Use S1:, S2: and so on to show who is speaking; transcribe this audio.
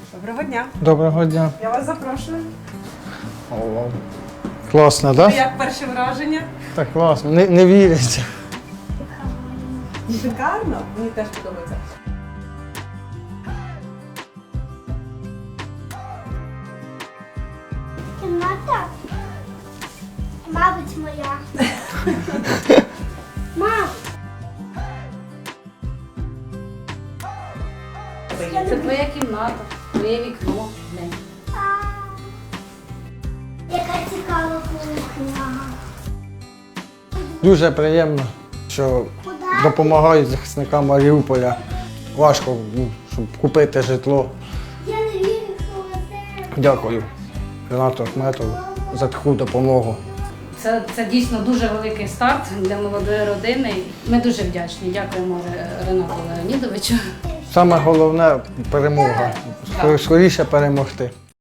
S1: Доброго дня.
S2: Доброго дня.
S1: Я вас запрошую.
S2: Класно, так? Да?
S1: Як перше враження?
S2: Так класно. Не віриться.
S1: Шикарно. Мені теж подобається.
S3: Кімната, мабуть, моя. Мам,
S4: Це твоя кімната, твоє вікно. Глянь.
S3: яка цікава кухня.
S2: Дуже приємно, що допомагають захисникам Маріуполя. Важко, щоб купити житло.
S3: Я не вірю, що це.
S2: Дякую Ренату Ахметову за таку допомогу.
S4: Це дійсно дуже великий старт для молодої родини. Ми дуже вдячні. Дякуємо Ренату Леонідовичу.
S2: Саме головне перемога. Скоріше перемогти.